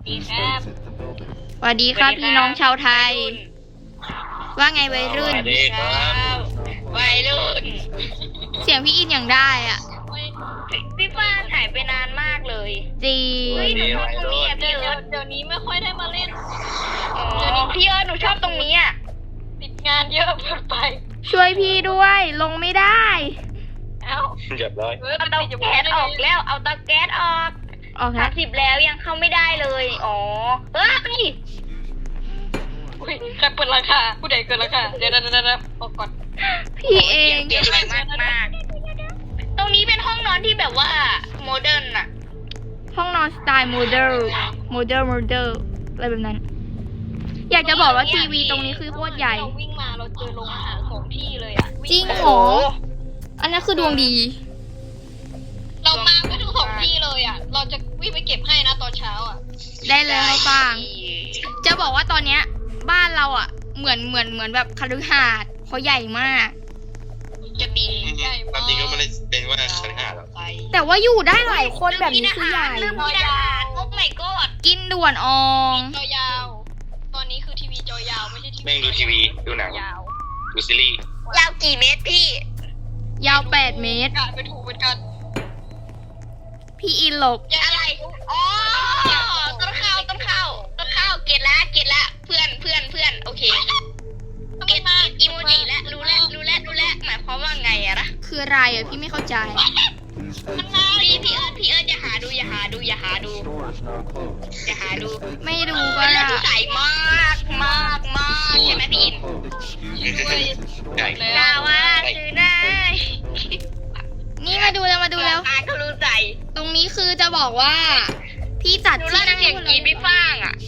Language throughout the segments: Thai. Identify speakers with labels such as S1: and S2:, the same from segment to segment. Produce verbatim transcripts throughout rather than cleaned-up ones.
S1: ดีครับ
S2: สวัสดีครับพี่น้องชาวไทย ว่าไงวัยรุ่น
S3: สวัสดีครับ
S1: วัยรุ่น
S2: เสียงพี่อินอย่างได้อ่ะ
S1: พี่ฟ้าหายไปนานมากเลย
S2: จริง
S1: เฮ้ยหนูชอบตรงนี้อ่ะพี่เอิร์ธเดี๋ยวนี้ไม่ค่อยได้มาเล่นเดี๋ยวนี้พี่เอิร์ธหนูชอบตรงนี้อ่ะติดงานเยอะเกินไป
S2: ช่วยพี่ด้วย ลงไม่ได้
S1: เอ้า
S3: เรียบร้อย
S1: เอาเตาแก๊สออกแล้วเอาเตาแก๊สออก
S2: ออกค
S1: สา
S2: รั
S1: ม
S2: บ
S1: สิบแล้วยังเข้าไม่ได้เลยอ๋อเฮ้ยอุ้ยใครเปิดราคาผู้ใดเกินราคาเดี๋ยวเดี๋ยวเดี๋ยวออกก่อน
S2: พี่เอง
S1: เปลี่ยนไปมากมากตรงนี้เป็นห้องนอนที่แบบว่าโมเดิร์นอะ
S2: ห้องนอนสไตล์โมเดลโมเดลโมเดลอะไรแบบนั้น อยากจะบอกว่าทีวีตรงนี้คือโคตรใหญ่
S1: เราวิ่งมาเราเจอโรงอาหารสองที่เลยอะ
S2: จริงเหรอ อันนั้นคือดวงดี
S1: เรามาก็ทั้งสองที่เลยอะเราจะวิ่งไปเก็บให้นะตอนเช้าอะ
S2: ได้เลยฟาง จะบอกว่าตอนเนี้ยบ้านเราอ่ะ เหมือนเหมือนเหมือนแบบคฤหาสน์เขาใหญ่มาก
S1: จะบินใหญ่
S3: ความจริงก็ไม่ได้เป็นว่าคฤหาสน์หรอก
S2: แต่ว่าอยู่ได้หลายคนแบบนี้คือใหญ่
S1: ลืมกินอาหารโอ้ my god
S2: กินด่วนออง
S1: จอยาว ตอนนี้คือทีวีจอยาวไม่ใช่ทีวี
S3: แม่งดูทีวีดูหนัง
S1: ยาว
S3: ดูซีรีส์
S1: ยาวกี่เมตรพี่
S2: ยาวแปดเมตร
S1: กะไปถูกเหมือนกัน
S2: พี่อินหลบ
S1: อะไร อ๋อ ต้นข้าวต้นข้าวต้นข้าวเกตละเกตละเพื่อนเพื่อนเพื่อนโอเค เกตมาอีโมจิและรู้แล้วรู้แล้วรู้แล้วหมายความว่าไงอะนะ
S2: คืออะไรอ่ะพี่ไม่เข้าใจ
S1: มันมาพี่พี่เอิร์ธพี่เอิร์ธอย่าหาดูอย่าหาดูอย่าหาดูอย่าหาดู
S2: ไม่รู้ก็
S1: เป็นเรื่
S2: ได้
S1: องที่ใสมากมากมากใช่ไหมพี่อิน
S3: ใหญ่
S1: ลาวาคือได้
S2: นี่มาดูแล้วมาดูแล้ว
S1: อ่านก็รู้ใจ
S2: ตรงนี้คือจะบอกว่า พี่จัด
S1: ดู
S2: ที่
S1: แล
S2: นั่ง
S1: เสียงกรีดพี่ฟ้างอ่ะ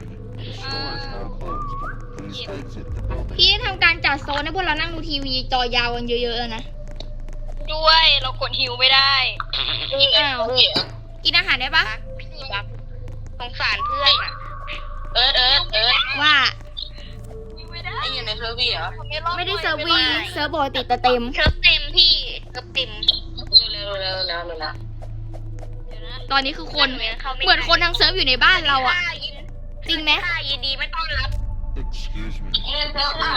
S2: พี่ทำการจัดโซนให้พวกเรานั่งดูทีวีจอยาวกันเยอะๆนะ
S1: ด้วยเรากดฮิวไม่ได้
S2: อ้าวกินอาหารได้ปะ
S1: พี่บักสงสารเพื่อนอ่ะ
S4: เอิร์ธเอิร์ธเอิร์ธ
S2: ว่า
S1: ไม่ได้
S4: ไอ้อยู่ในเซอร์วีเหรอ
S2: ไม่ได้เซิร์ฟวีเซิร์ฟปกติแต่เต็ม
S1: เชิร์ฟเต็มพี่เชิร์ฟเต็ม
S4: เร็วเร็วเร็วเร็วเร็ว
S2: ตอนนี้คือคน เหมือนคนทั้งเซิร์ฟอยู่ในบ้านเราอ่ะ จริงไหม
S1: ยินดีไม่ต้อนรับ
S4: เร็วเร็วอ่ะ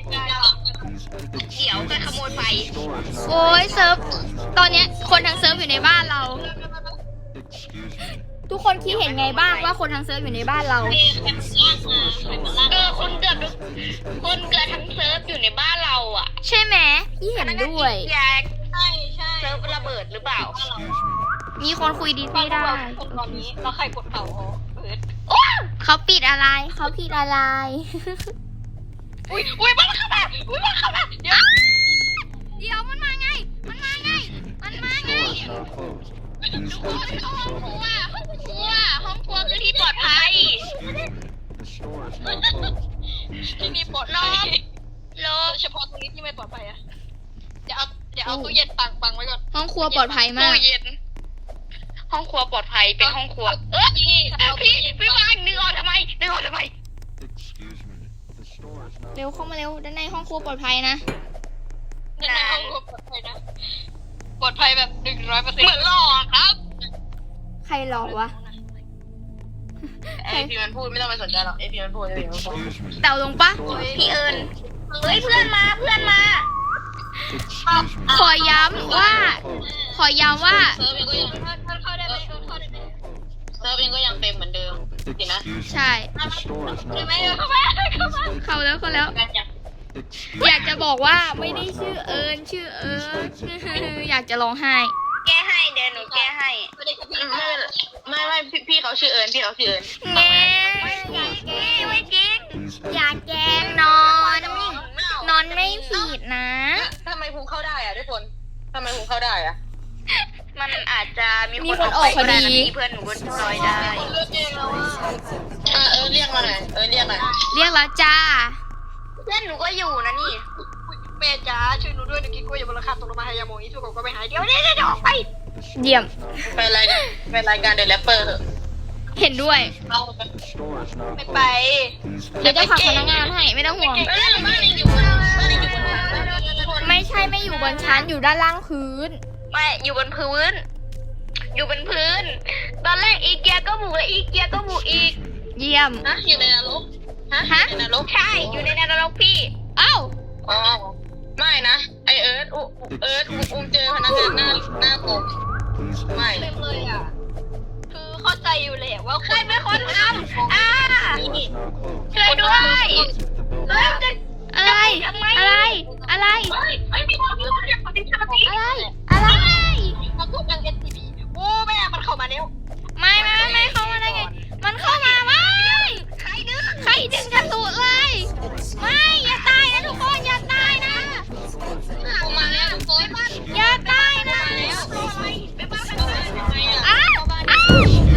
S1: เดี๋ยวจะขโมยไฟ
S2: โอ้ยเซิร์ฟ ตอนเนี้ยคนทั้งเซิร์ฟอยู่ในบ้านเรา ทุกคนคิดเห็นไงบ้างว่าคนทั้งเซิร์ฟอยู่ในบ้านเรา
S1: เออคนเกือบทุกคนเกือบทั้งเซิร์ฟอยู่ในบ้านเราอ่ะ
S2: ใช่ไหมพี่เห็นด้วย
S1: อยากใช่ใช่เซิร์ฟระเบิดหรือเปล่า
S2: มีคนคุยดีไม่ได้
S1: คนตอนนี้เราใครกดเป่าเขาเปิด
S2: เขาปิดอะไร เขาผิดอะไร
S1: อุ้ยอุ้ยมันเข้ามาอุ้ยมันเข้ามาเดี๋ยว
S2: เดี๋ยวมันมาไง มันมาไง มันมาไง
S1: ทุกคนเข้าห้องครัวห้องครัวห้องครัวคือที่ปลอดภัยที่นี่ปลอดภัยโลเฉพาะตรงนี้ที่ไม่ปลอดภัยอะเดี๋ยวเอาเดี๋ยวเอาตู้เย็นตังบังไว้ก่อน
S2: ห้องครัวปลอดภัยมาก
S1: ตู้เย็นห้องครัวปลอดภัยเป็นห้องครัวเออพี่พี่พี่วางนึกออกทำไมนึกออกทำไม
S2: เร็วเข้ามาเร็ว ด้านในห้องครัวปลอดภัยนะ
S1: ในห้องครัวปลอดภัยนะปลอดภัยแบบหนึ่งร้อยเปอร์เซ็นต์เหมือนหลอกครับ
S2: ใครหลอกวะ
S4: ไอพีมันพูดไม่ต้องไปสนใจหรอกไอพีมันพูดไอพีมันพูด
S2: เต่าลงปะ
S1: พี่เอิญเฮ้ยเพื่อนมาเพื่อนมา
S2: ขอย้ำว่า ขอย้ำว่า
S4: เซิร์ฟเองก็ยัง
S1: เข้าได้ไหมเข้าได้ไหม
S4: เซิร์ฟเองก็ยังเต็มเหมือนเดิมสินะ
S2: ใช่
S1: ได้ไหมเข้ามาเข้ามา
S2: เข้าแล้วเข้าแล้ว
S4: กันยัง
S2: อยากจะบอกว่าไม่ได้ชื่อเอิญชื่อเอิญ อยากจะร้องไห้
S1: แก้ให้เดี๋ยวหนูแก้ให้ไม่ได้กับพี่
S4: ไม่ไม่ไม่พี่พี่เขาชื่อเอิร์ธพี่เขาชื่อเอิร์ธ
S2: แง่
S1: ไม่จริงไม่จริง
S2: อยากแกล้งนอน นอนไม่ผิดนะ
S4: ทำไมภูมิเข้าได้อะทุกคนทำไมภูมิเข้าได้อะ
S1: มันอาจจะมี
S2: มีคนออกพอดี
S1: เพื่อนหนูก็ช่วยได้
S4: เออเออเรียกมาหน่อยเออเรียกหน่อย
S2: เรียกแล้วจ้า
S1: เพื่อนหนูก็อยู่นะนี่แม่จ๋าช่วยหนูด้วยหนูกินกล้วยอย่าบนราคาตกลงมาให้ยาโมงนี้ทุกคนก็ไปหายเดี๋ยวเดี๋ยวเดี๋ยวออกไป
S2: เยี่ยม
S4: เป็นรายการเป็นรายการเดอะแรปเปอร์เหอะ
S2: เห็นด้วย
S1: ไม่ไป
S2: เดี๋ยวจะขับพนักงานให้ไม่ต้องห่วง
S4: เออบ้านนี้อยู่บนบ้านนี้อยู่บน
S2: ไม่ใช่ไม่อยู่บนชั้นอยู่ด้านล่างพื้น
S1: ไม่อยู่บนพื้น อยู่บนพื้น ตอนแรกอีเกียก็บุกแล้วอีเกียก็บุกอีก
S2: ยม
S4: ฮะอยู่ในนรกฮะ
S2: ฮะ
S4: อยู่ในนรก
S1: ใช่อยู่ในนรกพี่
S2: เอ้า
S4: อ๋อไม่นะไอเอิร์ธอุเอิร์ธอุอุ้มเจอพนักงานหน้าหน้าผมไม่
S1: เต็มเลยอ่ะคือเข้าใจอยู่แหละว่าใครเป็นคนทำอ่าช่วยด้วยแล้วจะ
S2: อะไร
S1: ทำไม
S2: อะไร อะไร
S4: ไม่ไม่ทำไม่ทำไม่ทำไม่ทำ
S2: อะไร อะไร
S1: เขาพูดกันเอ็นทีบีโอ้แม่มันเข้ามาแล้ว
S2: ไม่ไม่ไม่ไม่เข้ามาได้ไง มันเข้ามาไม่
S1: ใครดื้อ
S2: ใครดึงกระสุนเลย ไม่ อย่าตายนะทุกคน อย่าตายนะ
S4: เข้ามาแล้วทุกคน
S2: อย่าตายนะ
S1: ไปบ้านกันเลย
S4: ทำไมอ่ะ
S2: อ้าวอ้าว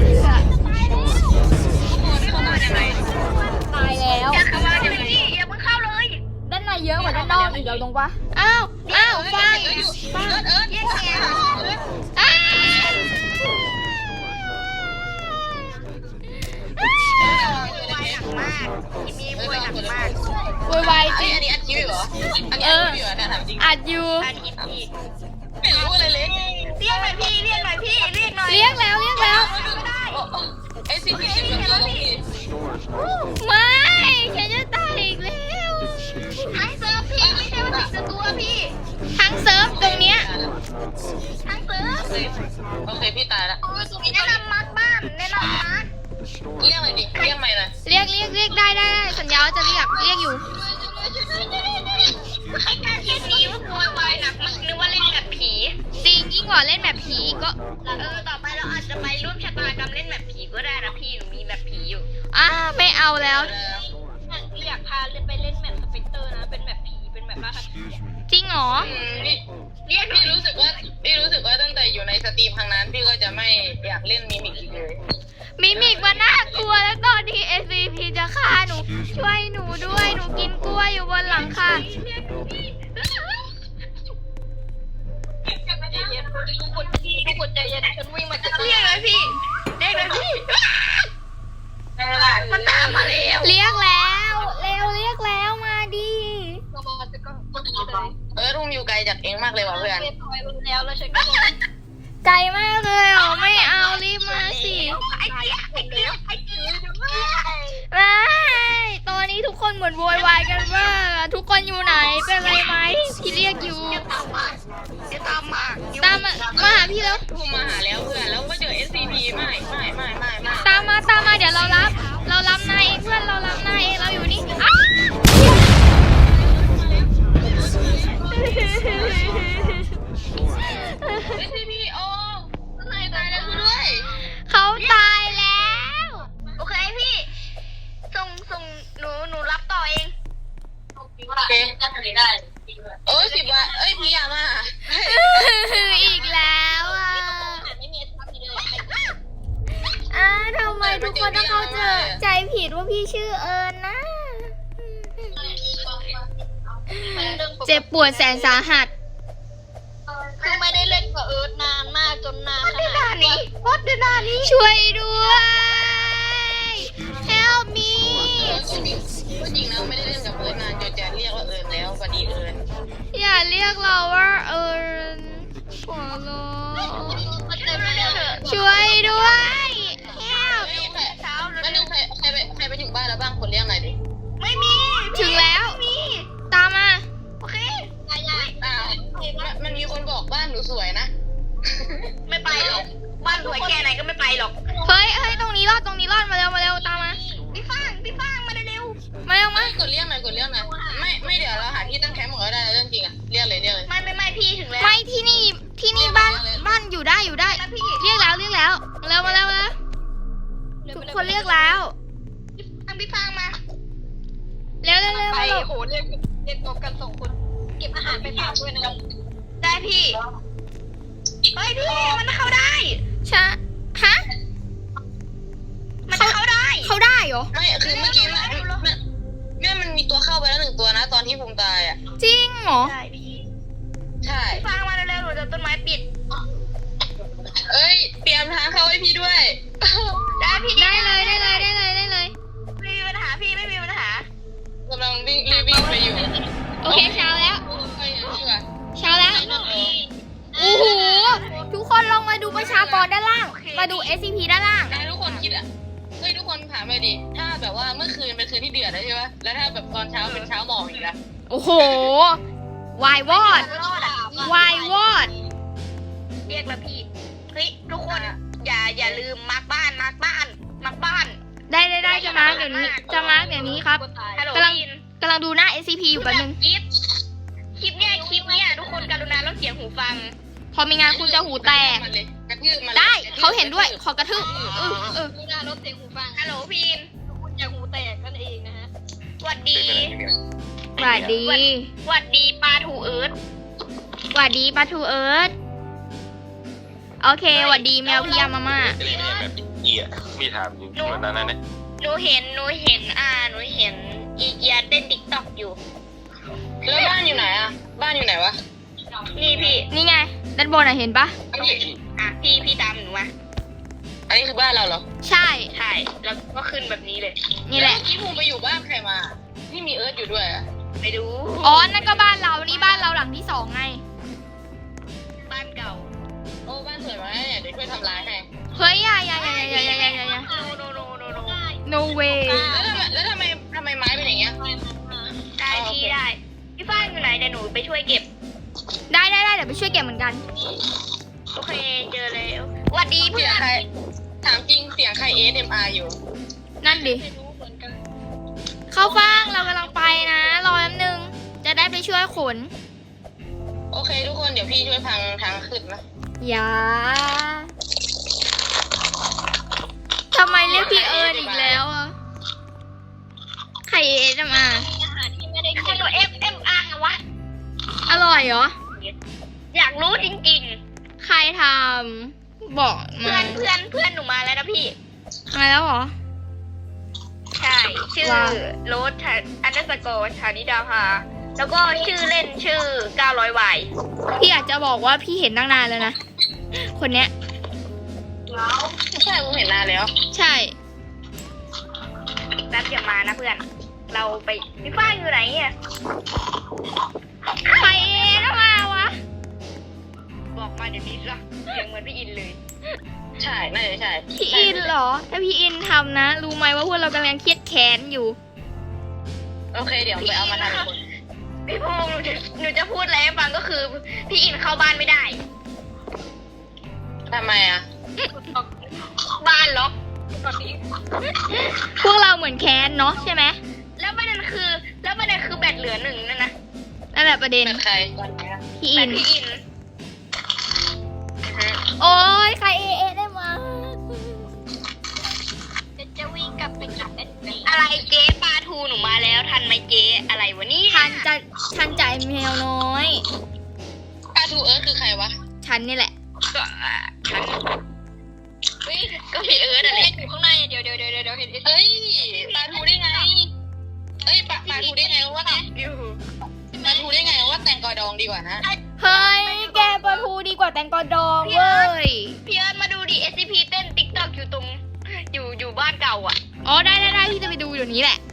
S4: เข้ามายังไง
S2: ตายแล้ว
S1: อย่าเข้ามาเดี๋ยวนี้อย่าเพิ่งเข้าเลย
S2: ด้านในเยอะกว่าด้านนอกอีกแล้วตรงปะอ้าว อ้าวฟัง
S4: เอิร์ธเอิร์ธเอิร์ธ
S1: แยกแยะ
S2: อ้าว
S1: ป่วยหนักมากมีป่วยหนักมาก
S2: โวยวายจ
S4: อัน
S2: ริง
S4: นี้อันนี้อัดคลิปเหรออันนี้อัดคลิปอยู่เหรอเนี่ยถามจริง
S2: อัดอยู่
S1: อันอีกอีก
S4: ไม่รู้อะไรเลย
S1: เรียกหน่อยพี่เรียกหน่อยพี่เรียกหน่อย
S2: เรียกแล้วเรียกแล้ว
S1: ไม่ได้
S4: ไอซีพีสิบกับตัวพี่
S2: ไม่ฉันจะตายอีกแล้ว
S1: ทั้งเซิร์ฟพี่ไม่ใช่ว่าติดตัวพี่
S2: ทั้งเซิร์ฟตรงเนี้ย
S1: ทั้งเซิร์ฟ
S4: โอเคพี่ตายแล้ว
S1: แนะนำมาร์คบ้านแนะนำมาร์ค
S4: เรียกอะไรดิเรียกใหม่หน่อย
S2: เรียกเรียกเรียกได้ได้ได้สัญญาว่าจะเรียกเรียกอยู่
S1: ใครกล้าเทียบนี้ว่าโวยวายหนักมันนึกว่าเล่นแบบผี
S2: จริงยิ่งกว่าเล่นแบบผีก็
S1: เออต่อไปเราอาจจะไปร่วมชะตากรรมเล่นแบบผีก็ได้นะพี่หนูมีแบบผีอยู่
S2: อ่าไม่เอาแล้ว
S1: อยากพาไปเล่นแบบสเปกเตอร์นะเป็นแบบผีเป็นแบบล่าคดี
S2: จริงเหรอ
S4: พี่เรียกพี่รู้สึกว่าพี่รู้สึกว่าตั้งแต่อยู่ในสตรีมครั้งนั้นพี่ก็จะไม่อยากเล่นมิมิกอีกเลย
S2: มิมิกมันน่ากลัวแล้วตอนที่ เอส ซี พี จะฆ่าหนู ช่วยหนูด้วยหนูกินกล้วยอยู่บนหลังคา
S1: ทุกคนทุกคนใจเย็นฉันวิ่งมาจากเรียกเลยพี่เรียกเลยพี่มันตามมาแล้ว
S2: เรียกแล้วเร็วเรียกแล้วมาดิ
S1: เรามาจะก็ก็หนีเลย
S4: เออทุ่มอยู่ไกลจากเองมากเลยว่ะเพื่อน
S1: เรียบร้อยแล้วแล้วฉันก็
S2: ไกลมากเลยเหรอไม่เอารีบมาสิ
S1: ไอ้เจี๊ยไอ้เจี๊ยไอ้เจี๊ย
S2: ไม่ตอนนี้ทุกคนเหมือนโวยวายกันว่าทุกคนอยู่ไหนเป็นไรไหมพี่เรียกอยู่
S1: ตามมาจะตามมา
S2: ตามมามาหาพี่แล้ว
S4: ทุ่มมาหาแล้วเพื่อนแล้วก็เจอ เอส ซี พี ไม่ไม่ไม่ไม่ไม่
S2: ตามมาตามมาเดี๋ยวเรารับ เรารับนายเองเพื่อนเรารับนายเองเราอยู่นี่อ้าว
S4: เอส ซี พี โอ้ตายตายแล้วด้วย
S2: เขาตายแล้ว
S1: โอเคพี่ส่งส่งหนูหนูรับต่อเอง
S4: โอเคโอ้ยสิบวันเอ้ยพี่ยามา
S2: อีกแล้วอ่ะ
S1: ไม่มีทับเลย
S2: อ่าทำไมทุกคนต้องเข้าใจใจผิดว่าพี่ชื่อเอิญนะ เจ็บปวดแสนสาหัส
S1: คือไม่ได้เล่นกับเอิร์ธนานมากจนนานขนาดนี้วัดเดนานี้
S2: ช่วยด้วย help me
S4: ก็จริงนะไม่ได้เล่นกับเอิร์นนานจนจะเรียกว่าเอิร์นแล้วพอดีเอิร์น
S2: อย่าเรียกเราว่าเอิญขอร้องช่วยด้วย help
S4: เฮ้ยใครไม่นึกใครใครไปใครไปถึงบ้านแล้วบ้างคนเรียกหน่อยดิ
S1: ไม่มี
S2: ถึงแล้ว ตามมา
S1: โอเคยายาย
S4: อ้าวมันมีคนบอกบ้านหนูสวยนะ
S1: ไม่ไปหรอกบ้านรวยแค่ไหนก็ไม่ไปหรอก
S2: เฮ้ยเฮ้ยตรงนี้รอดตรงนี้รอดมาเร็วมาเร็วตามมา
S1: พี่ฟางพี่ฟางมาเร็ว
S2: มาเร็วมา
S4: ไม่กดเรียกหน่อยกดเรียกหน่อยไม่ไม่เดี๋ยวเราหาที่ตั้งแคมป์ก่อนก็ได้เรื่องจริงอะเรียกเลยเรียกเลย
S1: ไม่ไม่ไม่พี่ถึงแล้ว
S2: ไม่ที่นี่ที่นี่บ้านบ้านอยู่ได้อยู่ได้
S1: แล้วพี่
S2: เรียกแล้วเรียกแล้วเร็วมาเร็วมาเร็วทุกคนเรียกแล้ว
S1: ทางพี่ฟางมา
S2: เร็วเร็วเร็ว
S1: ไป
S2: มาเร็ว
S1: โหเรียกเรียกตบกันสองคนเก็บอาหารไปฝากด้วยนะได้พี่เฮ้ยพี่มันเข้าได้
S2: ชะฮะ
S1: มันจะเข้าได้
S2: เขาได้เหรอ
S4: ไม่คือเมื่อกี้มันมันแม่มันมีตัวเข้าไปแล้วหนึ่งตัวนะ ตอนที่ภูมิตายอ่ะ
S2: จริงเหรอ
S1: ได้พี่
S4: ใช่
S1: พี่ฟางมาเร็วๆหนูจะต้นไม้ปิด
S4: เอ้ยเตรียมทางเข้าให้พี่ด้วย
S1: ได้พี่
S2: ได้เลยได้เลยได้เลยได้เลย
S1: ไม่มีปัญหาพี่ไม่มีปัญหาก
S4: ำลังวิ่งรีบวิ่งไปอยู่
S2: โอเคเช้าแล้ว
S4: ไปอยู่ดีกว่า
S2: เช้าแล้วโอ้โหทุกคนลองมาดูประชากรด้านล่าง มาดู เอส ซี พี ด้านล่าง
S4: นายทุกคนคิดอ่ะเฮ้ยทุกคนถามามเลยดิ ถ้าแบบว่าเมื่อคืนเป็นคืนที่เดือดแล้วใช่ปะแล้วถ้าแบบตอนเช้าเป็นเช้าหมอกอีกอะ
S2: โอ้โห วายวอด วายวอด
S1: เรียกแล้วพี่เฮ้ยทุกคนอย่าอย่าลืมมาร์กบ้านมาร์กบ้านมาร์กบ้าน
S2: ได้ได้ได้จะมาร์กเดี๋ยวนี้ จะมาร์กเดี๋ยวนี้ครับ
S1: ฮัลโหล
S2: กำลัง
S1: ยิน
S2: กำลังดูหน้า เอส ซี พี อยู่แป๊บนึง
S1: คลิปคลิปเนี่ยคลิปเนี่ยทุกคนกรุณาลดเสียงหูฟัง
S2: พอมีงานคุณจะหูแตก
S4: มันเลยกระทืบมันลย
S2: ได้
S4: กระทืบ
S2: เขาเห็นด้วย ขอกระทืบเออเออ
S5: ดูหน้ารถเสียงหูฟัง
S1: ฮัลโหลพีน
S5: คุณจะหูแตกนั่นเองนะฮะ
S1: หวัดดี
S2: สวัสดี
S1: หวัดดีปลาถูเอิร์ธ
S2: สวัสดีปลาทูเอิร์ธโอเคสวัสดีแมวพี่ยามาม่า
S3: จะเล่นแบบเกียมีถามอยู่วันนั้นนะ
S1: หนูเห็นหนูเห็นอ่าหนูเห็นอีเกียเต้นติ๊กต็อกอยู่
S4: แล้วบ้านอยู่ไหนอะบ้านอยู่ไหนวะ
S1: นี่พี่
S2: นี่ไง ด้านบนอ่ะเห็นปะ
S4: อันนี้
S1: อ่ะพี่พี่ตามหนูมา
S4: อันนี้คือบ้านเราเหรอ
S2: ใช่
S1: ใช่แล้วก็ขึ้นแบบนี้เลย
S2: นี่แหละ
S4: เมื่อกี้ภูมิไปอยู่บ้านใครมาที่มีเอิร์ธอยู่ด้วยอะ
S1: ไปดู
S2: อ๋อ นั่นก็บ้านเรา นี่บ้านเราหลังที่สองไง
S1: บ้านเก่า
S4: โอ้บ้านสวยมากเนี่ยเดี๋ยวช่วยทำลายให้
S2: เฮ้ยอย่าอย่าอย่าอย่าอย่าอย่าอย่าอย่า
S1: โนโนโนโนโน
S2: no way
S4: แล้วทำไมแล้วทำไมทำไมไม้เป็นอย่างเงี้ย
S1: ได้พี่ได้พี่ฟ้านอยู่ไหนเดี๋ยวหนูไปช่วยเก็บ
S2: ได้ได้ได้เดี๋ยวไปช่วยเก็บเหมือนกัน
S1: โอเคเจอแล้วหวัดดีเพื่
S4: เสี
S1: อย
S4: ง
S1: น
S4: ใครถามจริงเสียงใคร เอส เอ็ม อาร์ อยู่
S2: นั่นดิ
S5: ไม่รู้เหมือนกัน
S2: เข้าฟังเรากำลังไปนะ รอแป๊บนึง จะได้ไปช่วยขน
S4: โอเคทุกคนเดี๋ยวพี่ช่วยพังทางขึ้นนะ
S2: อย่าทำไมเรียกพี่เอิญอีกแล้วอ่ะใครเอสมา
S5: อาหารที่ไม่ได้
S1: ข
S5: กิน
S1: นมเอฟเอ็มอาร์วะ
S2: อร่อยเหรอ
S1: อยากรู้จริง
S2: ใครทำบอก
S1: ๆ เพื่
S2: มา
S1: อนเพื่อนเพื่อนหนูมาแล้วนะพี่
S2: มาแล้วเหรอ
S1: ใช่ ชื่อ
S2: ว่า
S1: โรสอันเดอร์สกอร์ชานิดาภาแล้วก็ชื่อเล่นชื่อเก้าร้อยวาย
S2: พี่อยากจะบอกว่าพี่เห็นตั้งนานแล้วนะ คนเนี้ย
S4: ใช่ผมเห็นนานแล้ว
S2: ใช่
S1: แป๊บอย่ามานะเพื่อน เราไปพี่ฟ้าอยู่ไหนเนี่ย
S2: ใครเอสมาวะ
S1: บอกมาเดี๋ยวนี้ละเสียงเหมือนพี่อินเลย
S4: ใช่น่าจะใช่
S2: พี่อินเหรอ ถ้าพี่อินทำนะ รู้ไหมว่าพวกเรากำลังเครียดแค้นอยู่
S4: โอเคเดี๋ยวไปเอามาทำคน
S1: พี่ภูมิหนูจะหนูจะพูดอะไรให้ฟังก็คือ พี่อินเข้าบ้านไม่ได้
S4: ทำไมอ่ะ
S1: บ้านล็อก
S5: ตอนนี้
S2: พวกเราเหมือนแค้นเนาะใช่ไหม
S1: แล้วประเด็นคือ แล้วประเด็นคือแบตเหลือหนึ่งนั่นนะ
S2: นั่นแหละประเด็น
S4: เป็นใครตอนนี้
S2: พี่
S1: แบ
S2: อิ
S1: ต
S2: น
S1: พี่อิน
S2: โอ้ยใครเอเอได้มา
S5: จะจะวิ่งกลับไปกลับได้ไหม
S1: อะไรเจ๊ปลาทูหนูมาแล้วทันไหมเจ๊อะไรวะเนี่ย
S2: ทันจะทันจ่ายแมวน้อย
S4: ปลาทูเอิร์ธคือใครวะ
S2: ฉันนี่แหละ
S1: ก็อ่ะฉัน
S5: เฮ้ย
S1: ก็พี่เอิร์ธอะไร
S5: เห็นอยู่ข้างในเดี๋ยวเดี๋ยวเดี๋ยวเดี๋ยวเห็น
S4: เอ้ยปลาทูได้ไง เอ้ยปลาปลาทูได้ไงว่า
S1: อยู่
S4: ปลาทูได้ไงว่าแตงกอดองดีกว่านะ
S2: เฮ้ย แกปลาทูดีกว่าแตงกอดองเว้ย
S1: พี่เอิร์ธมาดูดิ เอส ซี พี เต้นติ๊กต็อกอยู่ตรง อยู่อยู่บ้านเก่าอ่ะ
S2: อ๋อ ได้ได้ได้พี่จะไปดูเดี๋ยวนี้แหละ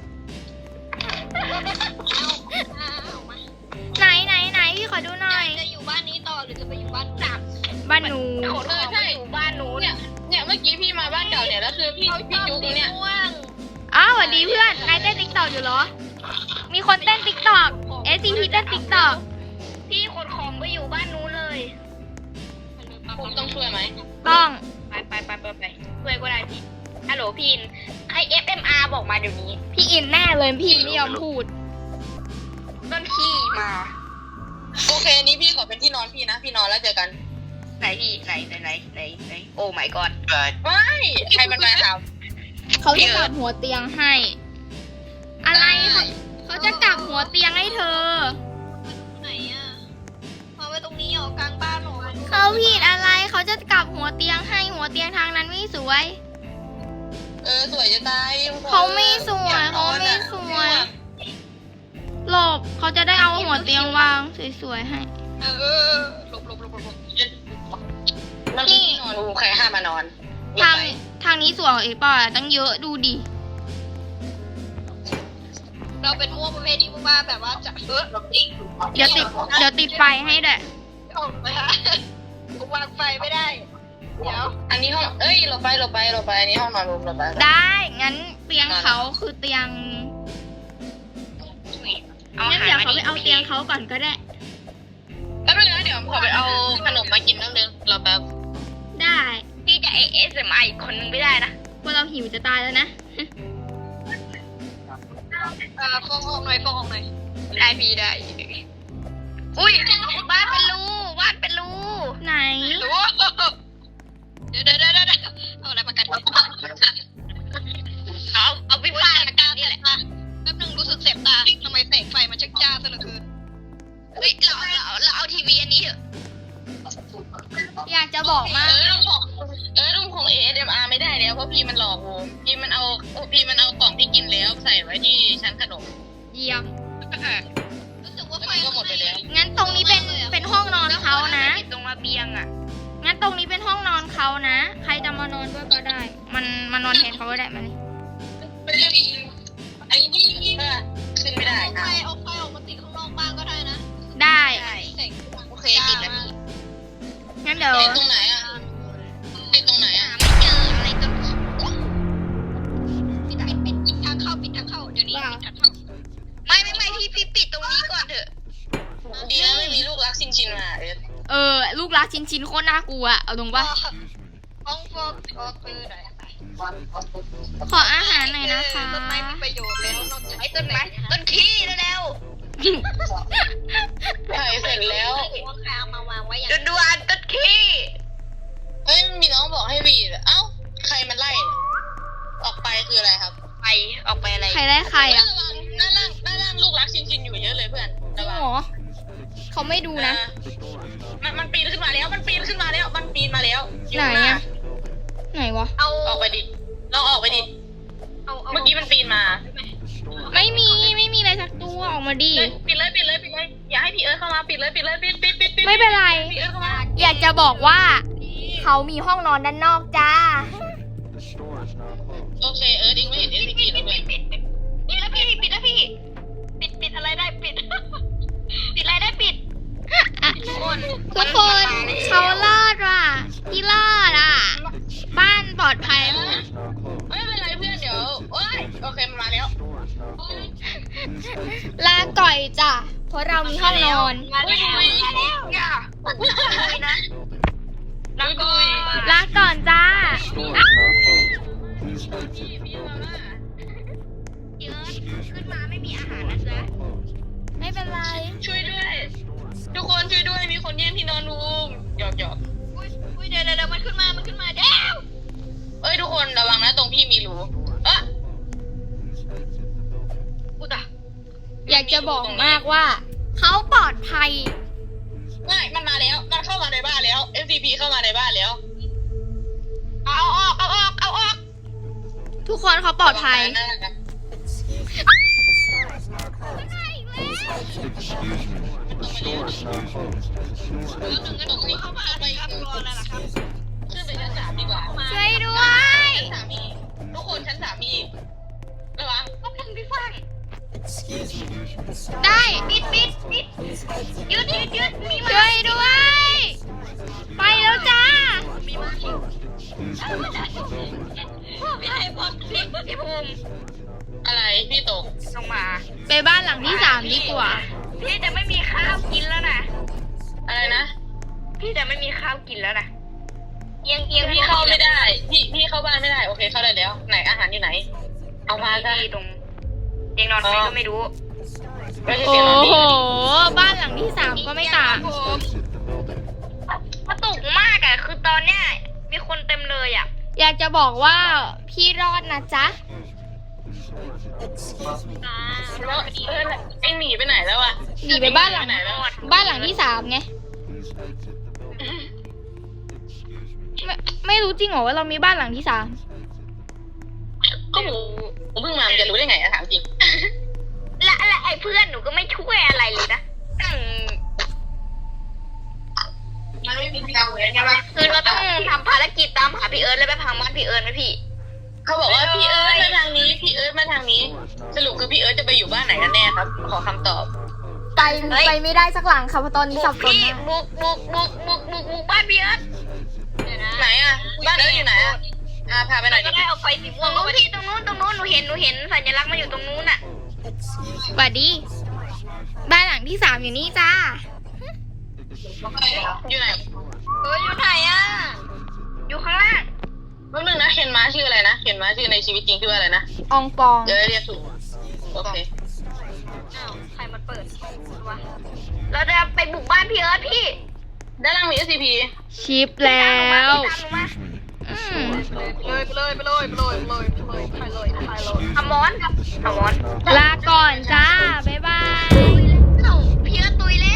S5: อ้าวมา
S2: ไหนไหนไหนพี่ขอดูหน่อย
S5: จะอยู่บ้านนี้ต่อหรือจะไปอยู่บ้าน
S1: สาม
S2: บ้านหนู
S1: ขนของมาอยู่บ้านนู้น
S4: เนี่ยเนี่ยเมื่อกี้พี่มาบ้านเก่าเนี่ยแล้วคือพี่พี่จุ๊กเนี่ย
S5: ม่วง
S2: อ้าวสวัสดีเพื่อน นายเต้นติ๊กตอกอยู่เหรอ มีคนเต้นติ๊กตอก เอส ซี พี เต้นติ๊กตอก
S1: พี่ขนของไปอยู่บ้านนู้นเลย
S4: ผมต้องช่วยไหม
S2: ต้อง
S1: ไปไปไปไปไปช่วยก็ได้พี่ ฮัลโหลพี่อินใคร เอฟ เอ็ม อาร์ บอกมาเดี๋ยวนี้
S2: พี่อินแน่เลยพี่ไม่ยอมพูด
S1: ต้นขี้มา
S4: โอเคนี้พี่ขอเป็นที่นอนพี่นะ พี่นอนแล้วเจอกัน
S1: ไหนพี่ไหนไหนไหนไหนไหนโอ้ my god
S3: บาย
S4: ไม่ใครมันมาถาม
S2: เขาจะกลับหัวเตียงให้ อะไรเขาเขาจะกลับหัวเตียงให้เธอ
S5: ไหนอ่ะมาไว้ตรงนี้เหรอกลางบ้านเหรอ
S2: เขาผิดอะไร เขาจะกลับหัวเตียงให้หัวเตียงทางนั้นไม่สวย
S4: เออสวยจะตาย
S2: เขาไม่สวยเขาไม่สวย หลบเขาจะได้เอาหัวเตียงวางสวยๆให้
S5: เออหลบหลบหลบหลบ
S4: มันที่นอนใครห้ามมานอน
S2: ทางทางนี้สวยกว่าอีกป่ะตั้งเยอะดูดิ
S5: เราเป็นม่วงประเภทที่ว่าแบบว่าจะเออหลบจริง
S2: เดี๋ยวติดเดี๋ยวติดไฟให้ด้วย
S5: ออกไปฮะวางไฟไม่ได้ เดี๋ยว
S4: อันนี้ห้องเอ้ยเราไปเราไปเราไปอันนี้ห้องนอนรวมเราไป
S2: ได้ งั้นคือเตียง
S1: เอา
S2: งั้
S1: อาน หาร
S2: เดี๋ยว
S1: มา
S2: เขาไปเอาเตียงเขาก่อนก็ได้
S4: แล้วนึงนะเดี๋ยวขอไปเอาขนมมากินนิดนึงรอแป๊บ
S2: ได้
S1: พี่จะเอสเอ็มไออีกคนนึงไม่ได้นะ
S2: พวกเราหิวจะตายแล้วนะ
S5: อ่าฟองออกหน่อยฟองออกหน่อย
S1: ได้พี่ได้ อุ้ยบ้านเป็นรูบ้านเป็นรู
S2: ไหน
S5: โอ้เดี๋ยวเดี๋ยวเดี๋ยวเดี๋ยวเอาอะไรมากัน
S1: เอาเอาพี่ฟ้าละกันนี่แหละ
S5: แป๊บนึงรู้สึกเจ็บตาทำไมแสงไฟมันชักจ้าซะเหลือเกิน
S1: เฮ้ยเราเราเราเอาทีวีอันนี้เถอะ
S2: อยากจะบอก
S4: เอ
S2: มาก
S4: อลุงของเออลุงของ เอ เอส เอ็ม อาร์ ไม่ได้แล้วเพราะพี่มันหลอกโมพี่มันเอาพี่มันเอากล่องที่กินแล้วใส่ไว้ที่ชั้นขนม
S2: เยี่ยม
S5: รู้สึกว่า
S4: แล้ว
S5: ไฟ
S4: มันก็หมดไปแล้ว
S2: งั้นตรงนี้เป็นเป็นห้องนอนเขานะ
S1: ติดตรงระเบียงอ่ะ
S2: งั้นตรงนี้เป็นห้องนอนเขานะ ใครจะมานอนด้วยก็ได้ มันมานอนแทนเขาก็ได้มานี่
S4: ไอ้นี่เออขึ้นไม่ได้
S5: เอาไฟ
S4: อ่ะ
S5: เอาไฟออกมาติดข้างนอกบ้างก็ได้นะ
S2: ได้
S1: ใช่
S5: แสง
S1: โอเคติดแล้วพี่
S2: งั้นเดี๋ยว
S4: ติดตรงไหนอ่ะติดตรงไหนอ่ะ
S1: ไม่เจออะไรต้น
S5: ปิดปิดปิดปิดทางเข้าปิดทางเข้าเดี๋ยวนี้ปิดทางเข้า
S1: ไม่ไม่ไม่พี่พี่ปิดตรงนี้ก่อนเถอะ
S4: ดีนะไม่มีลูกรักชินชินมาเออ
S2: เออ ลูกรักชิ้นชิ้นๆโคตรน่ากลัวอะเอาตรงปะ
S5: ห้องฟอกก็คือไหน
S2: ขออาหารหน่อยนะคะ
S5: ต้นไม้มีประโยชน์แล้วนอกจาก
S1: ไอ้ต้นไม้ต้นขี้เร็ว
S4: ถ่ายเสร็จแล้ว
S5: ว่าใครเอามาวางไว้อย่าง
S1: ๆด่วนๆต้นขี้
S4: เฮ้ยมีน้องบอกให้วีดเอ้าใครมันไล่เนี่ยออกไปคืออะไรครับ
S1: ไปออกไปอะไร
S2: ใครได้ใครอ่ะ
S4: ระวังด้านล่างด้านล่างลูกรักชินชินอยู่เยอะเลยเพื่อน
S2: จริ
S4: ระ
S2: ง
S4: วัง
S2: เหรอเขาไม่ดูนะ
S4: เออมันมันปีนขึ้นมาแล้ว มันปีนขึ้นมาแล้ว มันปีนมาแล้วอยู่
S2: ไหน
S4: ข้างน้า
S2: อะไหนวะ
S5: เอา
S4: ออกไปดิลองออกไปดิ
S5: เอาเอา
S4: เมื่อกี้มันปีนมา
S2: ไม่มีไม่มีอะไรสักตัวออกมาดิ
S4: เฮ้ยปิดเลยปิดเลยปิดเลยอย่าให้พี่เอิร์ธเข้ามาปิดเลยปิดเลยปิดปิดปิดปิด
S2: ไม่เป็นไร
S4: พี่เอิร์ธเข้ามา
S2: อยากจะบอกว่า เขามีห้องนอนด้านนอกจ้า
S4: โอเคเอิร์ธเองไม่เห็นเอสซีพีแล้วเพื่อน
S1: ปิดแล้วพี่ปิดแล้วพี่ปิดปิดอะไรได้ปิด ปิดอะไรได้ปิด ทุกคน
S2: ทุกคนเขารอดว่ะพี่รอดอ่ะ บ้านปลอดภัย
S4: ไม่เป็นไรเพื่อนเดี๋ยวโอ้ยโอเคมันมาแล้ว
S2: ลาก่อยจ้ะเพราะเรามีห้องนอน
S1: มาแล้วมาแล้วอย่าคุยนะ
S4: แล้วก็
S2: ลาก่อนจ้าอ้าว
S4: พี่พี่มาม่า
S1: เยอะขึ้นมาไม่มีอาหารนะจ๊ะ
S2: ไม่เป็นไร
S4: ช่วยด้วย ทุกคนช่วยด้วยมีคนแย่งที่นอนรูมหยอกหยอก
S5: อุ้ยอุ้ยเดี๋ยวเดี๋ยวเดี๋ยวมันขึ้นมามันขึ้นมาเดี๋ยว
S4: เอ้ยทุกคนระวังนะตรงพี่มีรูเอ๊ะ
S5: อุตะ
S2: อยากจะบอกมากว่า เขาปลอดภัย
S4: ไม่มันมาแล้ว มันเข้ามาในบ้านแล้ว เอฟ ที พี เข้ามาในบ้านแล้ว
S1: เอาออกเอาออกเอาออก
S2: ทุกคนเขาปลอดภัย
S4: นั่นแหละครับแล้วหนึ่งก็หนึ่งนี่เข้ามาไป
S5: ครับรออะไรล่ะครับ
S4: ขึ้นไปชั้นสามดีกว่า
S2: ช่วยด้วย
S4: ชั้นสามมีทุกคนชั้นสามมีระวัง
S1: ก็พังพี่ฟัง
S2: ได้
S1: ปิดปิดปิดยืดยืดยืดมีมา
S2: ช่วยด้วย ไปแล้วจ้า
S1: มีมาพี่ไอ้พอพี่พี่ภูมิ
S4: อะไรพี่ตก
S1: ลงมา
S2: ไปบ้านหลังที่สามดีกว่า
S1: พี่จะไม่มีข้าวกินแล้วนะ
S4: อะไรนะ
S1: พี่จะไม่มีข้าวกินแล้วนะเอียงเอียง
S4: พี่เข้าไม่ได้ พี่พี่เข้าบ้านไม่ได้ โอเคเข้าได้แล้ว ไหนอาหารอยู่ไหน เอามาจ้ะ
S1: ที่ตรงเตียงนอนใครก็ไม่รู้
S4: ไม่ใช่
S2: โอ้
S4: เตียงนอน
S2: โห
S4: พี่
S2: บ้านหลังที่สามก็ไม่ต่าง
S1: กระตุกมากอะคือตอนเนี้ยมีคนเต็มเลยอะ
S2: อยากจะบอกว่าพี่รอดนะจ๊ะ
S4: แล้วเออไอหนีไปไหนแล้วอะ
S2: หนีไปบ้านหลัง
S4: ไหนแล้วอะ
S2: บ้านหลังที่สามไง ไม่ไม่รู้จริงเหรอว่าเรามีบ้านหลังที่สาม
S4: ก็หมูผมเพิ่งมามันจะรู้ได้ไงอะถามจริง
S1: และและไอ้เพื่อนหนูก็ไม่ช่วยอะไรเลยนะตั้ง
S4: มันไม่มีทางเลยใช่ปะ
S1: คือเราต้องทำภารกิจตามหาพี่เอิร์ธแล้วไปพังบ้านพี่เอิร์ธไหมพี่
S4: เขาบอกว่าพี่เอิร์ธมาทางนี้ พี่เอิร์ธมาทางนี้ สรุปคือพี่เอิร์ธจะไปอยู่บ้านไหนกันแน่ครับ ขอคำตอบ
S2: ไปไปไม่ได้สักหลังค่ะเพราะตอนนี้สับสน
S1: พี่
S2: มาก
S1: บุกบุกบุกบุกบุกบุกบ้านพี่เอิร์ธ
S5: เดี๋ยวนะ
S4: ไหนอะบ้านเอิร์ธอยู่ไหนอะอ่าพาไปหน่อย
S5: ก็
S4: ดิ
S5: ได้เอาไฟสีม่
S1: ต
S5: ว
S1: รง งนู้นพี่ตรงนู้นตรงนู้นหนูเห็นหนูเห็นสัญลักษณ์มันอยู่ตรงนู้นอ่ะ
S2: สวัสดี บ้านหลังที่สามอยู่นี่จ้า
S4: อยู่ไหน
S5: เอออยู่ไหนอ่ะ
S1: อยู่ข้างล่าง
S4: แป๊บนึงนะเคนม้าชื่ออะไรนะเคนม้าชื่อในชีวิตจริงชื่ออะไรนะ
S2: อองปอง
S4: เดี๋ยวเรียกถูกโอเค
S5: อ้าวใครมันเปิดวะ
S1: เราจะไปบุกบ้านพี่เอิร์ธพี่
S4: ด้านล่างมี เอส ซี พี
S2: ชิปแล้ว
S1: ตามหนูมา
S2: อืม
S5: ไปเลยไปเลยไปเลยไปเลยไปเลยไปเลยไปเลย
S1: อมอนอมอน
S2: ลาก่อนจ้า บ๊ายบาย
S1: เอ้าพี่เอิร์ธตุยแล้ว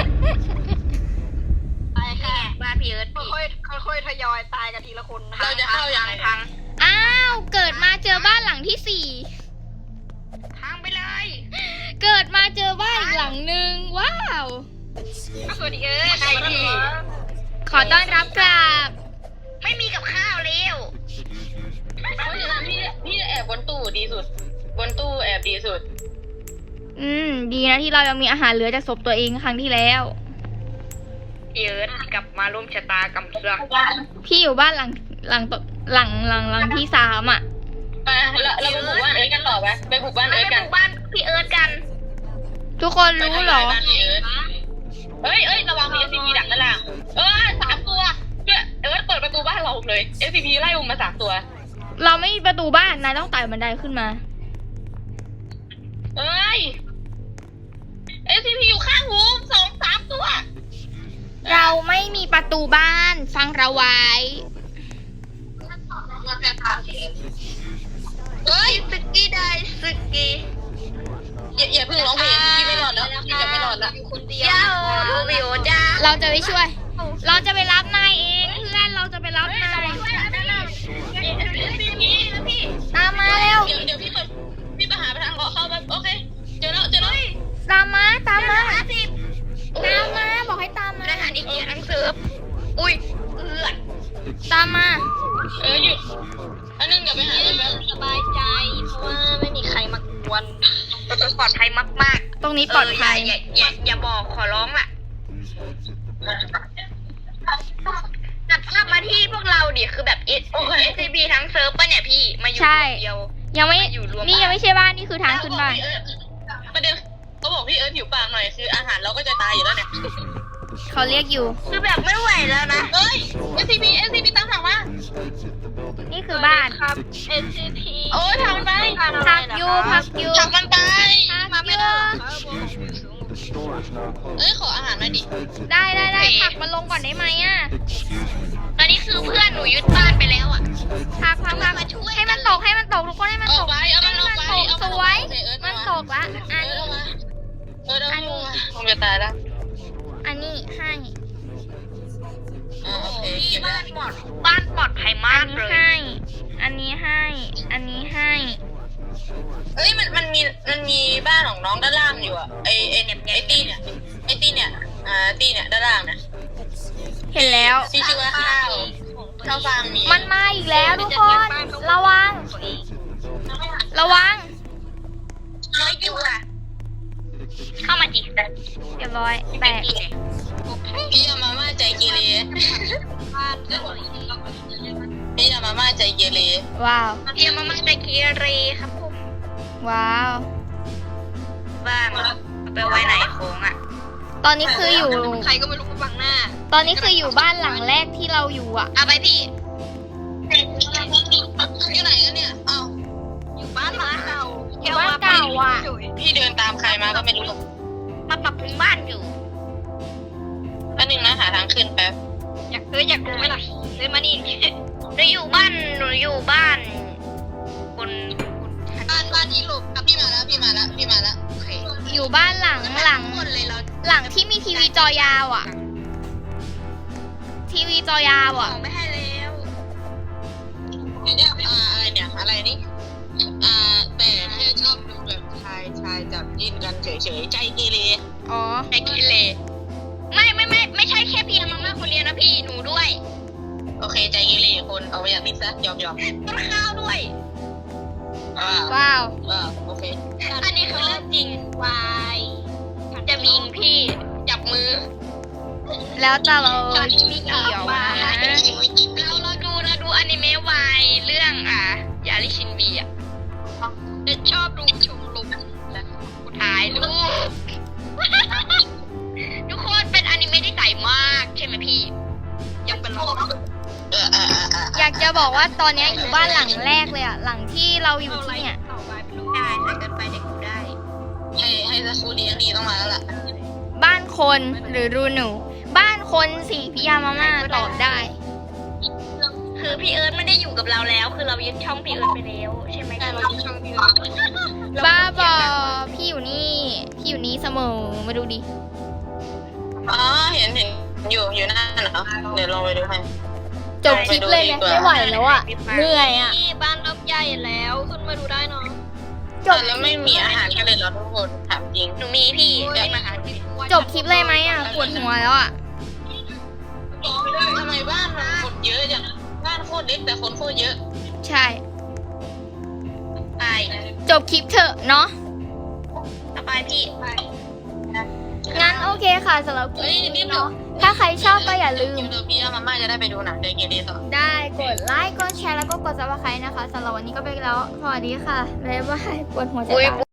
S5: ตายค่ะ
S1: บ้านพี่เอิร์ธพี่
S5: ค่อยๆค่อยๆทยอยตายกันทีละคนนะ
S4: เราจะเข้ายังไง
S1: พัง
S2: อ้าว เกิดมาเจอบ้านหลังที่สี่
S1: พังไปเลย
S2: เกิดมาเจอบ้านอีกหลังหนึ่งว้าว
S5: สวัสดีเอิร์ธ
S1: ใช่พี่
S2: ขอต้อนรับกลับ
S1: ไม่มีกับข้าวเร็ว
S4: เพราะฉะนั้นพี่พี่แอบบนตู้ดีสุด บนตู้แอบดีสุด
S2: อืม ดีนะที่เรายังมีอาหารเหลือจากศพตัวเองครั้งที่แล้ว
S1: พี่เอิร์ธกลับมาร่วมชะตากรรมเสือก
S2: พี่อยู่บ้านหลังหลังต่อหลังหลังหลังที่สามอ่ะ
S4: ไปเราเราไปบุกบ้านเอิร์ธกันต่อไปไปบุกบ้าน
S1: เรา
S4: เอิร์ธ
S1: ไป
S4: กัน
S1: บุกบ้านพี่เอิร์ธกัน
S2: ทุกคนรู้เหรอ
S4: ไปทำลายบ้านพี่เอิร์ธเอ้ยเอ้ยระวังมี เอส ซี พี ดักนั่นแหละเออสามตัวเนี่ยเอิร์ธเปิดประตูบ้านเราเลย เอส ซี พี ไล่อุ้มมาสามตัว
S2: เราไม่มีประตูบ้านนายต้องไต่บันไดขึ้นมา
S4: เอ้ย เอส ซี พี อยู่ข้างหูสองสามตัว
S2: เราไม่มีประตูบ้านฟังเราไว้
S1: เฮ้ยสกี้ได้สกี้
S4: อย่าอย่าเพิ่งร้องเพลงพี่ไม่รอดแล้วพี่จะไม่รอดแล้ว
S5: อยู่คนเดียว
S1: เจ้าโทบิโอจ้า
S2: เราจะไปช่วย เราจะไปรับนายเองเพื่อนเราจะไปรับนาย ตามมาเร็ว
S4: เดี๋ยวเดี๋ยวพี่เปิดพี่ไปหาไปทางเขาเข้าแบบโอเค เจอแล้วเจอแล้ว
S2: ตามมาตามมา
S1: ห้าสิบ
S2: ตามมาบอกให้ตามมา
S1: ได้ทานอีกเกียร์ทั้งเซิร์ฟอุ้ยเอือด
S2: ตามมา
S4: เออหยุดอันนึงเดี๋ยวไปหาเลยแบบ
S5: สบายใจเพราะว่าไม่มีใครมากวน
S1: ปลอดภัยมาก
S2: ตรงนี้
S1: ๆ
S2: ปลอดภัย
S1: เอย่าอย่าอย่าบอกขอร้องล่ะตัดภาพมาที่พวกเราดิคือแบบเอสซีบีทั้งเซิร์ฟปะเนี่ยพี่มาอยู่
S2: ใช่
S1: เดียว
S2: ยังไม่
S1: มาอยู่รวม
S2: นี่ยังไม่ใช่บ้านนี่คือทางขึ้นบ้าน
S4: ประเด็นเขาบอกพี่เอิร์ธหิวปากหน่อยคืออาหารเราก็จะตายอยู่แล้วเนี่ย
S2: เขาเรียกอยู่
S1: คือแบบไม่ไหวแล้วนะ
S4: เฮ้ย เอส ซี พี เอส ซี พี ตามหลังมา
S2: นี่คือบ้าน
S5: ครับ เอส ซี พี
S4: โอ้ยทำไป
S2: พักอยู่พักอยู่
S4: จับมันไป
S2: พักอยู่
S4: เอ้ยขออาหารหน่อยดิ
S2: ได้ได้ได้ผักมันลงก่อนได้ไหมอ่ะ
S1: ตอนนี้คือเพื่อนหนูยึดบ้านไปแล้วอ่ะ
S2: พักพักพักให้มันตกให้มันตกทุกคนให้มัน
S4: เอา
S2: ตก
S4: ไปเอา
S2: ให้
S4: มัน
S2: มัน
S4: เอาไป
S2: ตก
S4: เอา
S2: ส
S4: มัน
S2: วย
S4: เอิร์ธ
S2: มัน
S4: มา
S2: ตกละอัน
S4: เอิร์ธ
S2: นี้
S4: เอามาเอิร์ธเอา
S2: อันนี้
S4: มาคงจะตายแล้ว
S2: อันนี้ให้
S4: อ่าโอเค
S1: พี่
S4: เก็บ
S1: บ้า
S4: แล้ว
S1: นปลอดบ้านปลอดภัย
S2: อั
S1: มาน ก
S2: นี้
S1: เลย
S2: ให้ อันนี้ให้ อันนี้ให้
S4: เอ้ยมันมันมีมันมีบ้านของน้องด้านล่างอยู่อ่ะไอไอเนี่ยไอตี้เนี่ยไอตี้เนี่ยอ่าตี้เนี่ยด้านล่างเนี่ย
S2: เห็นแล้ว
S4: ที่ชื่อว่าข้าวข้าวฟางมี
S2: มันมาอีกแล้วทุกคน ระวัง ระวัง
S1: ไม่อยู่ค่ะ เข้ามาจิ
S2: เรียบร้อยแตก
S4: พี่ยามาม่าใจเกเร
S5: บ้านสวย
S4: พี่ยามาม่าใจเกเร
S2: ว้าว
S1: เอียมาม่าใจเกียเรครับผม
S2: ว้าว
S1: บ้านเอาไปไว้ไหนโค้งอ่ะ
S2: ตอนนี้คืออยู่
S5: ใครก็ไม่รู้มาบังหน้า
S2: ตอนนี้คืออยู่บ้านหลังแรกที่เราอยู่อ่ะ
S1: เอาไปพี่
S4: อยู่ไหนกันเนี่ยอ้าว
S5: อยู่บ้านหลังเก่า
S2: อยู่บ้านเก่าอ่ะ
S4: พี่เดินตามใครมาก็ไม่รู้
S1: มาปรับปรุงบ้านอยู่
S4: แป๊บนึงนะหาทางขึ้นแป๊บ
S5: อยากเอออยากรู้ไหมล่ะเดินมานี่
S1: หนูอยู่บ้านหนูอยู่บ้านคน
S4: บ้านบ้านที่หลบพี่มาแล้วพี่มาแล้วพี่มาแล้ว
S1: โอเค
S2: อยู่บ้านหลังหลัง
S1: คนเลยเรา
S2: หลังที่มีทีวีจอยาวอ่ะ ทีวีจอยาว
S1: ขอ
S2: อ่ะ
S1: งไม่ให้แล้ว
S4: เนี่ยอ่าอะไรเนี่ยอะไรนี่อ่าแต่แค่ชอบดูแบบชายชายจับยินกันเฉยๆใจเกเร
S2: อ๋อ
S1: ใจเกียเรไม่ไม่ไม่ไม่ใช่แค่เพียงมาม่าคนเดียวนะพี่หนูด้วย
S4: โอเคใจเกเรคนเอาไปอย่างนี้ซะยอมยอม
S1: ต้นข้าวด้วย
S4: อ่า
S2: ว้าว
S4: อ่าโอเค
S1: อันนี้คือเรื่องจริง
S5: วาย
S1: จะมีพี่จับมือ
S2: แล้วแต่เรา
S1: ฉัน
S2: ไม่เกี่ยวนะ
S1: เราเราดูเราดูอนิเมะวายเรื่องอ่ะยาริชินบีอ่ะ
S5: เด็ดชอบดูชมรมและ
S1: ถ่ายรูป ทุกคนเป็นอนิเมะที่ใสมากใช่ไหมพี่
S5: ยังเป็นเรา
S4: เออเออเออเออ
S2: อยากจะบอกว่าตอนเนี้ยอยู่บ้านหลังแรกเลยอะหลังที่เราอยู่ที่เนี่ย
S5: ต่อไปเป็นลูก
S1: ได้ใส่กันไปเด็กได้
S4: ให้ให้ซาคูเลี้ยงดีต้องมาแล้วล่ะ
S2: บ้านคนหรือรูหนู บ้านคนสี่พิยามาม่าตอบได้
S1: คือพี่เอิร์ธไม่ได้อยู่กับเราแล้ว คือเรายึดช่องพี่เอิร์ธไปแล้วใช่ไหม
S5: แต่
S1: คะ
S5: เราช่องพี่เรา
S2: บ้าบอพี่อยู่นี่ พี่อยู่นี่เสมอมาดูดิ
S4: อ๋อเห็นเห็นอยู่อยู่นั่นเหรอเดี๋ยวลองไปดูให้
S2: จบคลิปเลยเนี่ยไม่ไหวแล้วอะเหนื่อยอะ
S5: นี่บ้านเริ่มใหญ่แล้วขึ้นมาดูได้เนาะ
S2: จบ
S4: แล้วไม่มีอาหารกันเลยเหรอทุกคนถามจริง
S1: หนูมีพี่ได้มาหาพี่
S2: จบคลิปเลยไหมอะปวดหัวแล้วอะ
S4: ทำไมบ้านมันคนเยอะจังบ้านโคตรเล็กแต่คนโคตรเยอะ
S2: ใช่
S1: ไป
S2: จบคลิปเถอะเนาะ
S1: ต่อไปพี่
S2: งั้นโอเคค่ะสำหรับคลิปนี้เนาะถ้าใครชอบก็อย่าลืม
S4: เดี๋ยวพี่อามาม่าจะได้ไปดูหนังเดย์เกเรต่อ
S2: ได้กดไลค์กดแชร์แล้วก็กดซับสไครต์นะคะสำหรับวันนี้ก็ไปแล้ว สวัสดีค่ะบ๊ายบายปวดหัวจะตาย